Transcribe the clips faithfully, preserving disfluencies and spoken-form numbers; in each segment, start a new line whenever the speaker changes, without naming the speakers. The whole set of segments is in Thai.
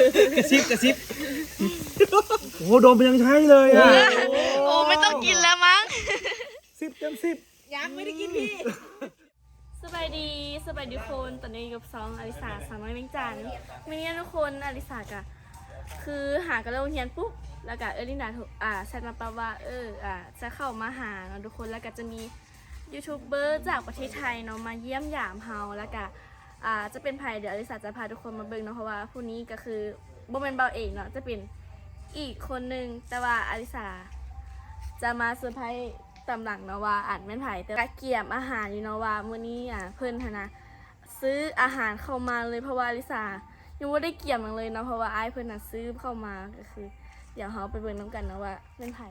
กระซิบกระซิบโอ้โหโดมเป็นยังใช้เลยอ่ะ
โอ้ไม่ต้องกินแล้วมั้ง
สิบเต็มสิบ
ยังไม่ได้กินพี่
สบายดีสบายดีคนตอนนี้กับซองอลิสาสามน้อยเวียงจันทร์ไม่เนี่ยทุกคนอลิสากะคือหากระโดดเฮียนปุ๊บแล้วก็เออลินดาถูกอ่าแชทมาปะว่าเอออ่าจะเข้ามาหาเนาะทุกคนแล้วก็จะมียูทูบเบอร์จากประเทศไทยเนาะมาเยี่ยมยามเฮาแล้วก็อ่าจะเป็นไผเดี๋ยวอลิสาจะพาทุกคนมาเบิ่งเนาะเพราะว่าผู้นี้ก็คือบ่แม่นเบาเองเนาะจะเป็นอีกคนนึงแต่ว่าอลิสาจะมาเซอร์ไพรส์ตำหลังเนาะว่าอ่านแม่นไผแต่กะเกียมอาหารอยู่เนาะว่ามื้อนี้อ่ะเพิ่นหั้นนะซื้ออาหารเข้ามาเลยเพราะว่าอลิสายังบ่ได้เกี่ยมหยังเลยเนาะเพราะว่าอ้ายเพิ่นน่ะซื้อเข้ามาก็คือเดี๋ยวเฮาไปเบิ่งนํกันเนาะว่าแม่นไผ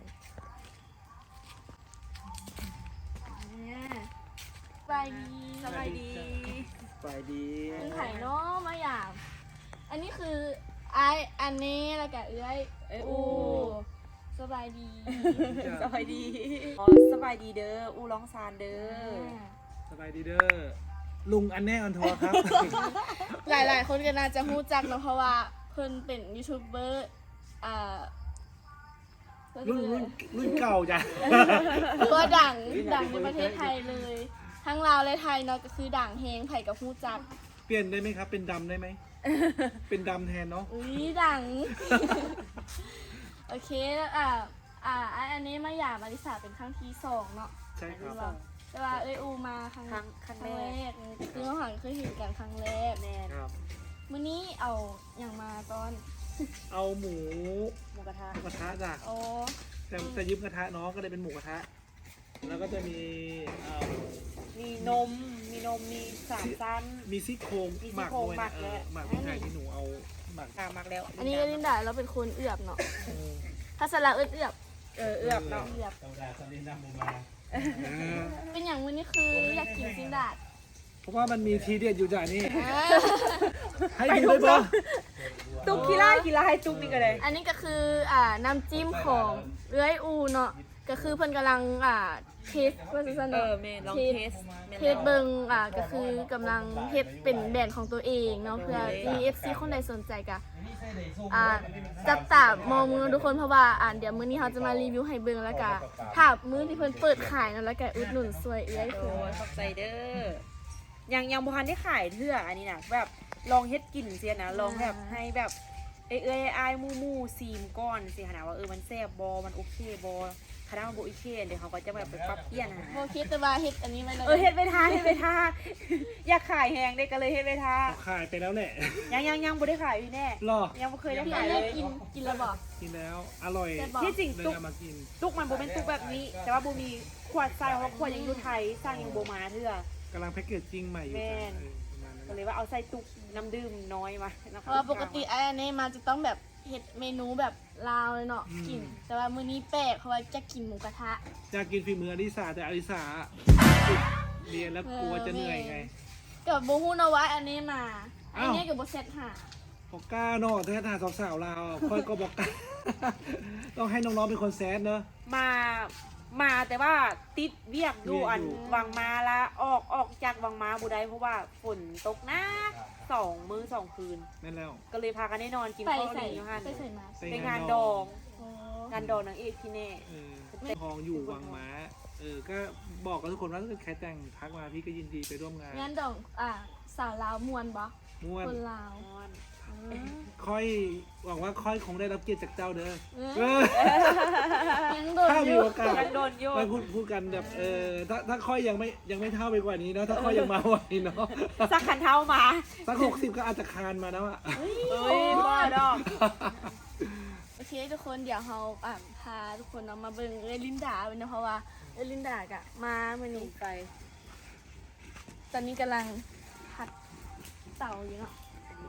สบายดี
สบายดี
ไปดี
แม่นไผเนาะมาหยามอันนี้คืออ้ายอันนี้แล้วก็เอื้อยเอ้ยอู้สบายดี
สบายดีอ๋อสบายดีเด้ออูร้องซานเด้อ
สบายดีเด้อลุงอันแน่อันทัวร์ครับ
หลายๆ คนก็น่าจะรู้จักเนาะเพราะว่าเพิ่นเป็นยูทูบเบอร์อ่า
รุ่นรุ่นรุ่นเก่าจ้ะ
ตัวดังดังในประเทศไทยเลย ทั้งลาวและไทยเนาะก็คือดังเฮงไผ่กับฮู้จัก
เปลี่ยนได้ไหมครับ เป็นดำได้ไหม เป็นดำแทนเนาะ
อุ้ยดัง โอเคแล้วอ่าอ่าอันนี้มาหยาบอลิสาเป็นครั้งที่สองเนาะ
ใช่ครับ
แต่ว่าเอ้ยอูมาครั้ง
ครั้งครั้ง
ครั้ง
แร
แร
ก
กคือเราหันเคยเห็นกันครั้งแรก
แน่น
ครับ
มื้อนี้เอาอย่างมาตอน
เอาหมู
หมูกระทะ
หมูกระทะจ้ะ
โอ้
แต่แต่ยืมกระทะน้องก็เลยเป็นหมูกระทะ แล้วก็จะมีเอ่อ
มีนมมีนมมีสามชั้น
มีซี่โครง
มีซี่
หมัก
โครง
ด้วย
หมั
นะ
ก
เอ
แล้
อ
ว
หมักพริกไทยที่หนูเอาหมัก
กามักแล้ว
อันนี้ก็ลินดาเราเป็นคนเอือบเนาะ
เออ
ถ้าสละเอือบเอือบ
เออเอือบเนาะ
เอือบ
เออ
เป็นอย่างมื้อนี้คืออยากกินซินดาด
เพราะว่ามันมีทีเด็ดอยู่จ้ะนี่
อ่า
ให้ดูเลยบอ
ตุ๊กกีฬากีฬาให้ตุ๊กนี่ก็เลย
อันนี้ก็คืออ่าน้ำจิ้มของเอื้อยอูเนาะก็คือเพิ่นกำลังอ่าเทสว่าซั่น
เอ
เนาะ
อเมนลองเทส
เทสเบิงอ่าก็คือกำลังเฮ็ดเป็นแบรนด์ของตัวเองเนาะเพื่อ มี เอฟ ซี คนใดสนใจก็อ่าจับตามองมือทุกคนเพราะว่าอ่าเดี๋ยวมื้อนี้เราจะมารีวิวให้เบิ่งแล้วก็ถ้ามื้อที่เพิ่นเปิดขายเนาะแล้วก็อุดหนุนสวยเอื้อย
โอ้
คือย
ขอบใจเด้อยังยังบุคันได้ขายเถื่ออันนี้นะแบบลองเฮ็ดกินเสียนะลองแบบให้แบบเอ้ยเอ้ยอายมู่มู่ซีมก้อนสิขนาดว่าเออมันแซ่บบอมันโอเคบอคณะมันโบโอเคเดี๋ยวเขาก็จะแบบไปปรับเปลี่ยนนะ
บ่คิดแต่ว่าเฮ็ดอันนี้ไว้เลย
เออเฮ็ดไปท่าเฮ็ดไปท่า อยากขายแหงเด็กก็เลยเฮ็ดไปท่า
ขายไปแล้วแหละ
ยังยังยังบ่ได้ขายพี่แน่
รอ
ยังบ่เคยได้
พี่
ขาย
อัน
เล
นี้
ย
กินกินแล้วบ่
กินแล้ว อร่อย
แซ่บบ่
ที่จริง
เลย
ตุก
เอามากิน
ตุกมันบ่เป็นตุกแบบนี้ แต่ว่าบ่มีขวดทรายเพราะขวดยังอยู่ไทยสร้างยังบ่มาเทื่อก
ำลังแพ็กเกจจิ้งใหม่อยู่
แม่
จ้ะ
น
เออประมาณนั้น
ก็เลยว่าเอาใส่ตุกน้ำดื่มน้อยมานะ
เพ
คะ
ราะว่าปกติไอ้อันนี้มาจะต้องแบบเฮ็ดเมนูแบบลาวเลยเนาะกิน แต่ว่ามื้อนี้แปลกเพราะว่าจะกินหมูกระทะ
อยากกินฝีมืออลิสาแต่อลิสาเรียนแล้วกลัวจะเหนื่อยไง
กับบูฮูนเอาไว้อันนี้มา อั
อ้าน ว
นี้กับโบเซตหา
บอกกล้าเนาะถ้าทางสาวๆเราค่อยก็บอกกล้า ต้องให้น้องๆเป็นคนแซดเนอะ
มามาแต่ว่าติดเวียกอยู่อัน
เวียกอยู่
วังมาละออกออกจากวังมาบ่ได้เพราะว่าฝนตกหนักสองมื้อสองคืน
นั่นแล้ว
ก็เลยพากันได้นอนกิน
ใส่
ข้าว
ใส่
ดีอยู่หั่น
ใส่ใส่มา
ไป
เป็น
งาง
าน น
ด
ด
อ
อง ง งานดองนางเอกพี่แน่
เออทองอยู่วังม้า เออ ก็บอกกับทุกคนว่าถ้าเกิดใครแต่งทักมาพี่ก็ยินดีไปร่วมงาน
งั้นดองอ่าสาวลาวมวนบ่
ม่วน
คนลาว
นอน
อืม
ค่อยหวังว่าค่อยคงได้รับเกียรติจากเจ้าเด้อ
เออ
เออ
ยังโดน
ถ้า
อ
มี
ยู่
โอกาส
ยังโดนโย
ไป
น
พูดพูดกันแบบเออถ้าถ้าค่อยยังไม่ยังไม่เท่าไปกว่านี้เนาะถ้าค่อยยังมาไหวเนาะ
สักขันเท้ามา
สักหกสิบก็อาจจะคานมาแล้วอะ
เอ้ยบ้าดอก
โอเคทุกคนเดี๋ยวเราอ่าพาทุกคนเอามาเบิ่งเอลินดาเป็นนะเพราะว่าเอลินดากะมาเมื่อนี้
ไป
ตอนนี้กำลังผัดเต่าอยู่เนาะ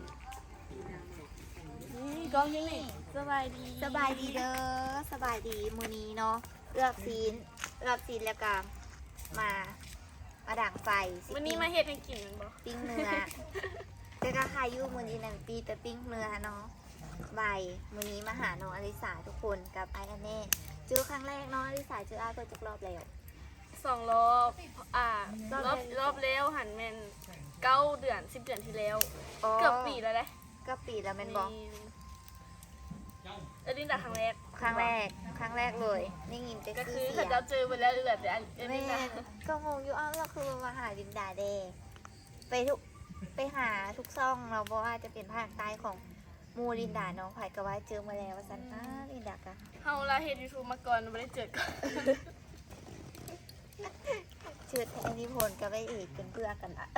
นี่กล้องยังนี่สบายดี
สบายดีเด้อสบายดีมื้อนี้เนาะเลือกซีนเลือกซีนแล้วก็มามาด่างไฟสิ
วันนี้มาเฮ็ดให้กินมันบ่
ปิ้งเนื้อแต่ก็ขายอยู่มื้อนี้นั่นปีแต่ปิ้งเนื้อเนาะใบายมื้อนี้มาหาน้องอลิสาทุกคนกับไออันเน่เจอครั้งแรกน้องอลิสาเจออาตัวจักรอบแล้ว
สองรอบอ่ารอบรอบแล้วหันแมนเก้าเดือนสิบเดือนที่แล้ว เกือบปีแล้วเลย
อก็ปีแล้วแม่นบอก
เอลินดาครั้งแรก
ครั้งแรกครั้งแรกเลยนี่ยินแต่
ก็
ชื่
คือ
อ
เขา
เสีย
จะเจอไปแล้วเหลือแต่เอ
แม่
ลินดา
ก็งงอยู่อ้าวเราคือมาหาลินดาเดไปทุกไปหาทุกซ่องเราบอกว่าจะเป็นภาคใต้ของมูลินดาน้องไผ่ก็ว่าเจอมาแล้วว่าสันอ้าลินดากะ
เฮาลาเฮ็ดยูทูบมาก่อนไม่ได้เจอกัน
เชิดแทนนิพนธ์กับไอ้เอกเป็นเพื่อนกันอะ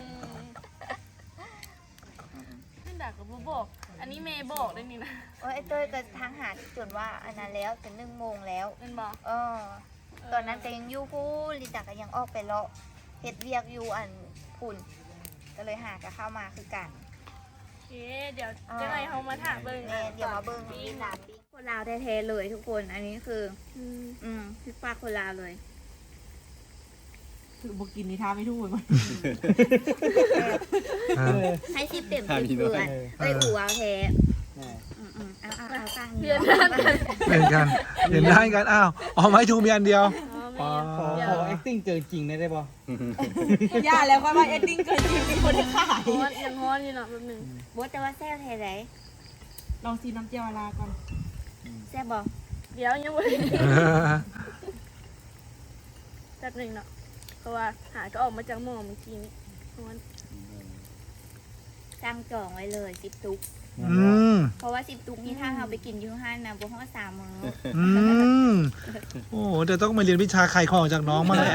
ลินดาก็บ่บอก อันนี้เมย์บอกได้นี่นะ
โอ้ยไอ้เต้ยก็ทางหาจนว่าอันนั้นแล้วจะหนึ่งโมงแล้ว
เล่นบอก
เออ ตอนนั้นก็ยังอยู่พูนลินดาก็ยังออกไปเลาะเฮ็ดเวียกอยู่อันพุ่นก็เลยหาก็เข้ามาคือกัน
โอเคเดี๋ยวจะไงเฮามาถามเบิ่ง
แม่เดี๋ยวมาเบิ่งลินดาปิ้งคนลาวแท้ๆเลยทุกคนอันนี้คือ
อืม
อืมพี่ป้าคนลาวเลย
คือบ่กินนี่ท่าไม่ถูกมัน
ให้ชิปเต็มสิบเพื่อนเอ้ยอู่เอาแท้อืมอืมเอาเอาเอาตั้ง
เพื่
นี้
อน
เนาะ
กัน
เห็นกันเห็นได้กันอ้าวเอาไม้ทูมีอันเดียว
อ๋อแม่
อ๋อ
เดี๋ยว
ขอ acting เจอจริงได้ได้ป่ะ
ย่าแล้วก็ว่าเอ็ดดิ้งเกินจริงเป็นคนที่ขาย
ฮ้อนยังฮ้อนอยู่เนาะแป๊บหนึง
บดแต่ว่าแซ่บแท้ไหน
ลองซีน้ำเจียวลาก่อน
แซ่บบอก
เดี๋ยวยังบ่ได้แป๊บหนึงเนาะเพราะว่าหาก็ออกมาจากหม้อเมื่อกี้นี้ฮ้อน
สั่งจองไว้เลยสิบตุก
อืม
เพราะว่าสิบตุกนี่ถ้าเราไปกินอยูห้านนะบวกห้อสามมื้อ
อืมโอ้โหเดี๋ยวต้องมาเรียนวิชาขายของจากน้องมาแหละ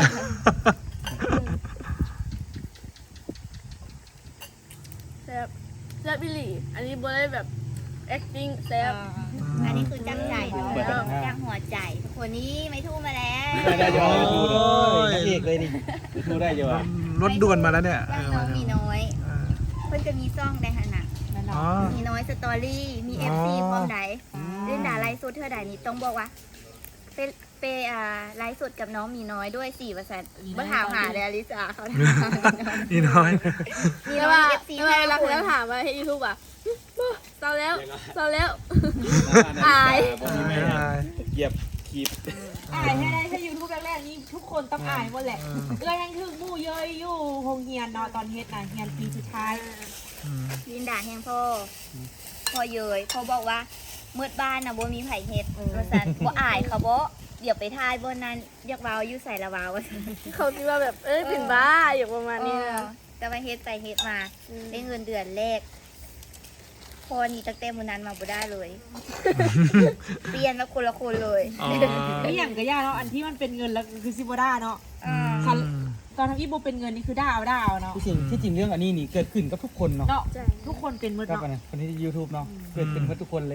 แซ่บแซ่บอีหลีอันนี้บ่ได้แบบ acting แซ่บ
อันนี้คือจังใจเลยจังหัวใจทุกคนนี้ไม่ทู่มาแล้ว
ได้ได้จะไปดูเลยนักเอกเลยนี่ไปดูได้จะว่าร
ถด่วนมาแล้วเนี่ย
ย่างน้องมีน้อย
เออ
เพิ่นจะมีซ่องได้ขนาด
นั่น
อ๋อ
เนาะ
มีน้อยสตอรี่มีเอฟซีพร้อมใดเล่นด่าไลฟ์สดเท่าใดนี่ต้องบอกว่าเปเปอ่าไลฟ์สดกับน้องมีน้อยด้วยสี่เปอร์เซ็นต์มาถามหาเลยอลิสาเขาถาม
นี่น้อย
มี
แต่
น้อ
ว่าย
เอฟซี
แต่ว่า
ห้า
เวลา
ค
เขา
น
ถามว่าให้ YouTube อ่ะเศร้าแล้วเศร้าแล้ว
อาย
ไม่อาย
เหยียบขีด
อายให้ได้ถ้ายูทูบแรกๆนี่ทุกคนต้องอายหมดแหละ
เออ
เอื้อยังถึงหมู่เยอะอยู่โรงเรียนเนาะตอนเฮ็ดน่ะเรียนปีสุดท้าย
อืม
ลินด่าแฮงพ่อพ่อเยยพ่อบอกว่ามืดบ้านนะบ่มีไผเฮ็ดว่าซั่นบ่อายเขาบ่เดี๋ยวไปทายบนนั้นอยากเว้าอยู่ใส่ละเว้าว่าซั่น
เขาคิดว่าแบบเอ้ยเป็นบ้าอย่างประมาณนี้
เออ
นะ
แต่ว่าเฮ็ดไปเฮ็ดมา
ม
ได้เงินเดือนแรกพอนี่ตั้งแต่มื้อนั้นมาบ่ได้เลย เปลี่ยนมาคนละคนเลย
อ๋อ
นี่อย่างก็ย่าเนาะอันที่มันเป็นเงินแล้วคือซิบ่ได้เนาะ
อ่า
คัน ตอนทำอีโบเป็นเงินนี่คือได้เอาได้เอาเนาะ
ที่จริงที่จริงเรื่องอันนี้นี่เกิดขึ้นกับทุกคนเนาะ
เนาะ
ใช่
ทุกคนเป็นหมืด
ครับ
เนาะ
อันนั้นคนที่ YouTube เนาะเกิดเป็นกับทุกคนเลย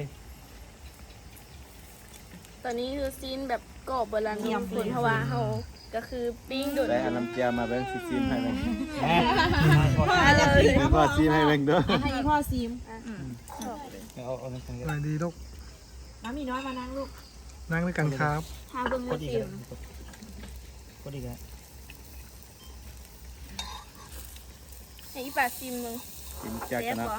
ตอนนี้คือซีนแบบกรอบโบราณทุกคนเพราะว่าเขาก็คือปิ้งโดด
ได้อันน้ำเจียวมาเบิ่งสิซิมให้เบิ่ง
แหม
เลย
มีพ่อซิมให้เบิ่งเด้อ
ให้พ่อซิม
เอาเอาน้ำแข็ง
สวัสดีลูก
น้ำมีน้อยมานั่งลูก
นั่งด้วยกันครับ
ทาเบิ้ง
ก
มื
ด
อ
อีก
ซิ
แล้
ม
วกดอีกแล้ว
ให้อีปาซิมมึง
ซิมจาก
เซ
กั
ฟ
นเนาะ
เหรอ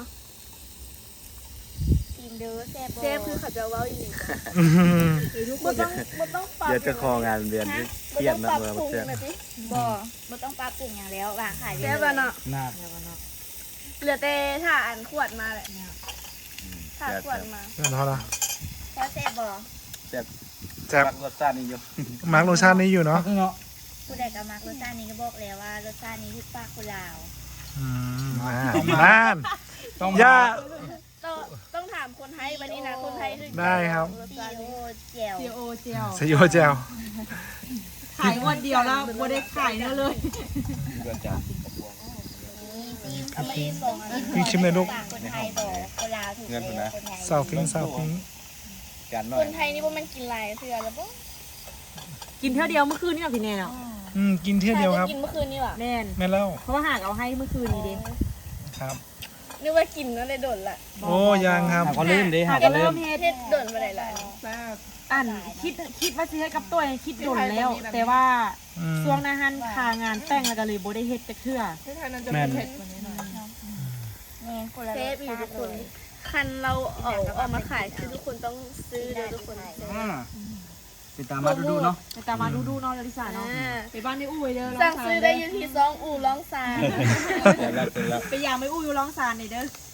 ทีมเด้อแซ่บบ่
เซฟคือเขาจะเว้าอีหลี
อืม
บ่ต้องบ่ต้องปรับ
เดี๋ยวจะของานเรียนที่เครียดนะ
บ่
เมื่อ
ต้องปรับปรุง
เช้า
นะสิ
บ่บ่ต้องปรับปรุงอย่างแล้ววางขาย
เซ
ได้
ฟ
เล
อะ
ย
เนาะ
หน้า
เหลือแต่ถ้าอันขวดมาแหละถ้าขวดมา
นั่นเท่าละ
พอแซ่บบ่
แซ่บ
แซ่บ
รักรสชาตินี่อยู่
มาร์กรสชาตินี้อยู่เนาะ
เนาะ
ผู้ใดก็มักรสชาตินี้ก็บอกแล้วว่ารสชาตินี้ที่ป้าคนลาว
อืมอ่านั่น
ต้อง
ย่า
ต้องต้องถามคนไทยวันนี้นะคนไทยถึง
ได้ครับ
ซีโอเจียว
ซีโอเจียว
สยโยเจล
ขายวันเดียวแล้วบ่ได้ขายแล้วเลย
เกิดจาก
ซีมเอามาอีกบอกอันนี้
พี่ชิมเลยลูก
ปากคนไทยบอกคนลาวถูกแล้วคนไทย
สาวฟิงสาวฟิง
การหน่
ค
อย
นไทยนี่ว่ามันกินหลายเทื่อแล้วปะ
กินเท่าเดียวเมื่อคืนนี่เนาะพี่แน่เนาะ
อืมกินเที่ยวเดียวครับ
กินเมื่อคืนนี่หว่า
แน่น
แม่นแล้ว
เพราะว่าหากเอาให้เมื่อคืนนี้เด้
ครับ
นึกว่ากินนั่นเลยโดนละ
โอ้ยังครับ
หาก็ลืมดิหา
หาก
ก็
ก็
ลื
เริ่
ม
มเฮ็ด
เฮ็ดโดนไปหลาย
อันคิดคิดว่าสิเฮ็ดกับตัวเองคิดโดนแล้ว แต่ว่า
อืม
ช่วงหน้าหันคางานแต่งแล้วก็เลยบ่ได้เฮ็ดจักเทื่อ
แม่น
แม่นคนละ
เซ
ร
ฟ
ส
อยู่
ชา
ทุก
ติ
ค
เล
น
ย
คันเราเอาออกมาขายคือทุกคนต้องซื้อเด้อทุกคน
อ่าติดตามมาดูๆเนาะ
ไปตามมาดูๆเนาะลิซ่าเนาะ
อ่า
ไปบ้านในอู้ไว้เด้อ
สั่งซื้อได้อยู่ที่ซองอู่ร้องซาน
เสร็จแล้วเสร็จแล้ว
ไปยามไปอู้อยู่ร้องซานนี่เด้อ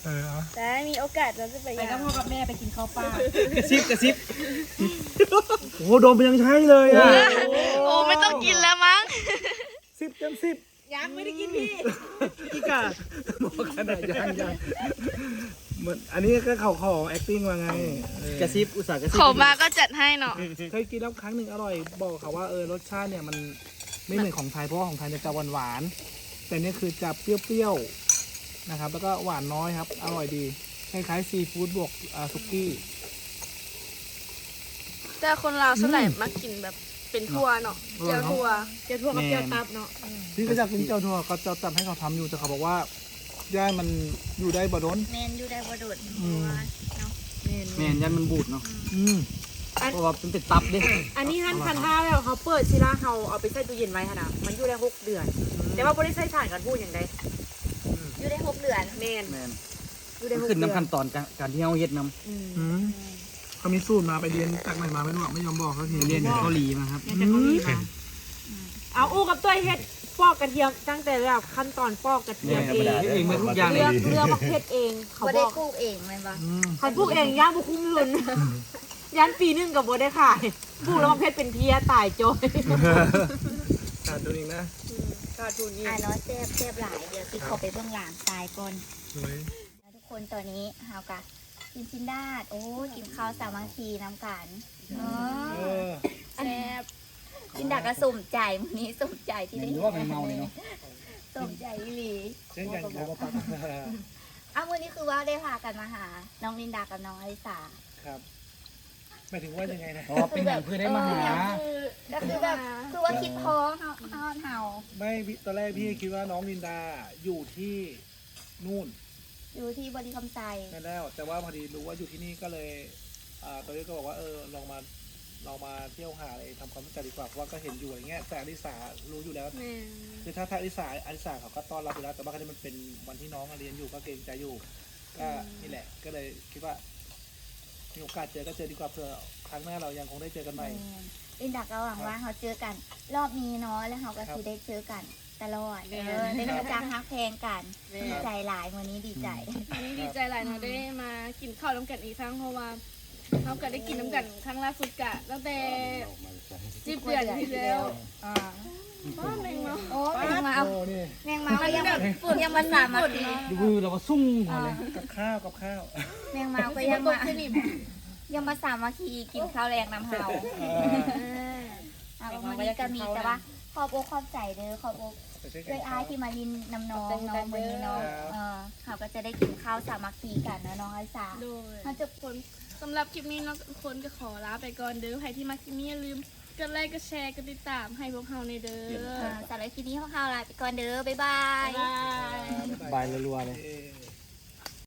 เออเอา
แต่มีโอกาสเราจะไป
ไปกับพ่อกับแม่ไปกินข้าวปลาก
ระซิบกระซิบ
โอ้โหโดมยังใช้เลยอ่ะ
โอ้ไม่ต้องกินแล้วมั้ง
สิบเต็มสิบ
ยังไม่ได้กินพี่
อีกาบอกขนาดยังยังเหมือนอันนี้ก็เขาขอ acting ว่าไงเออก
ระซิบอุตส่าห์กระซิบ
ขอมาก็จัดให้เนาะ
เคยกินแล้วครั้งหนึ่งอร่อย บอกเขาว่าเออรสชาติเนี่ยมันไม่เหมือนของไทยเพราะว่าของไทยเนี่ยจะหวานหวานๆแต่เนี่ยคือจะเปรี้ยวๆนะครับ แล้วก็หวานน้อยครับ อร่อยดีคล้ายๆซีฟู้ดบวกอ่าสุกี้
แต่คนลาวส่วนใหญ่มักกินแบบเป็นทั่วเนาะเจียวทั่ว
เจ้าทั่วกับเจ้าตับเนาะ
พี่ก็อยากกินเจ้าทัวก็จะจำให้เขาทำอยู่แต่เขาบอกว่าย่ามันอยู่ได้บ่โดน
แมนอยู่ได้บ่โดด
อืม
แม่นยันมันบูดเนาะ
อืม
เพราะว่ามันเป็นตับเด้
อันนี้ท่านพันห้าแล้วเขาเปิดซิล่าเขาเอาไปใส่ตู้เย็นไว้ค่ะนะมันอยู่ได้หกเดือน แต่ว่าบริษัทสารกันพูดอย่างใด
อยู่ได้หกเดือน
แมน
แม่น
อยู่ได้หก
ขึ้น
เดือน
น้ำขั้นตอนการการที่เฮาเฮ็ดนำ
อืม
อืมเขามีสูตรมาไปเรียนจากไหนมาไม่รู้อะไม่ยอมบอกเขาที
เรียนอยู่เกาหลีมาครับ
อยากจะเขามีมาเอาอู้กับตัวเฮ็ดปอกกระเทียมตั้งแต่แบบขั้นตอนปอกกระเทียมเอง
เฮ็ดเองหมดทุกอย่างเล
เลือย กเลือกมาเฮ็ดเองเขา
บ่
บ
ได้
อก
ปลูกเองแม่นบ่
อืม
เขาปลูกเองย่างบุคุ้มเงินยันปีหนึงกับบ่ได้ขายปลูกแล้วมาเพชรเป็นเพี้ยตายจอย
ขาดตัวเองนะ
ขาดทุนนี่
อ่าเนาะแซ่บแซ่บหลายเดี๋ยวสิเขาไปเบื้องหลังตายก่อน
สวย
แล้วทุกคนตอนนี้เฮากะกินชินดาดโอ้กินข้าวสามัคคีน้ำกันเนาะ
เออ
แซ่บ
ชินดาดก็สมใจมื้อนี้สมใจที่ได้
หรือว่ามันเมาเนี่ยเนาะ
สมใจอีหลี
เช่นกันครับว่าปัก
อ้าวมื้อนี้คือว่าได้พากันมาหา น้องลินดากับน้องอลิสา
ครับหมายถึงว่ายังไงนะ
อ๋อเป็นอย่างเพื่อได้มาหา
ก็คือแบบคือว่าคิดพ้องเฮาเฮาเฮา
ไม่พี่ตอนแรกพี่คิดว่าน้องลินดาอยู่ที่นู่น
อยู่ที่บริคำไซ
นั่นแล้ว แต่ว่าพอดีรู้ว่าอยู่ที่นี่ก็เลยอ่าตอนนี้ก็บอกว่าเออลองมาลองมาเที่ยวหาอะไรทำความรู้จักดีกว่าเพราะว่าก็เห็นอยู่อะไรเงี้ยแต่อลิสารู้อยู่แล้ว
แม่
คือถ้าถ้าอลิสาอลิสาเขาก็ต้อนรับอยู่แล้วแต่ว่าครั้งนี้มันเป็นวันที่น้องเรียนอยู่ก็เกรงใจอยู่ก็นี่แหละ ก็เลยคิดว่ามีโอกาสเจอก็เจอดีกว่าเผื่อครั้งหน้าเรายังคงได้เจอกันใหม่
ลินดาก็หวังว่าเขาเจอกัน รอบนี้เนาะแล้วเขาก็สิได้เจอกันตลอดเออได้รู้จักฮักแพงกันดีใจหลายวันนี้ดีใจ
นี่ดีใจหลายเนาะได้มากินข้าวน้ำกันอีกครั้งเพราะว่าเขาก็ได้กินน้ำกันครั้งล่าสุดกะตั้งแต่สิบเดือนที่แล้ว
อ่า
ว้าแมงเนาะ
โอ้แมงเมา
โอ้นี่
แมงเมาก็ยังยังมาสามมาที
ดูเราก็ซุ่งก่อนเลย
กับข้าวกับข้าว
แมงเมาก็ยังมายังมาสามมาคีกินข้าวแรงน้ำเฮาอ่าวันนี้ก็มีแต่ว่าขอบอกขอบใจเด้อขอบอก ด้วยอายที่มาลินนำน้องน้องวันนี้น้องเออเขาก็จะได้กินข้าวสามัคคีกันนะน้องไอซา
โดย
เขาจะ
คนสำหรับคลิปนี้เนาะทุกคนก็ขอลาไปก่อนเด้อใครที่มาคลิปนี้อย่าลืมกดไลค์กดแชร์กดติดตามให้พวกเราในเด้อ
สำหรับคลิปนี้ของเขาลาไปก่อนเด้อบ๊ายบาย
บ๊ายบาย
บายรัวๆเลย
เออ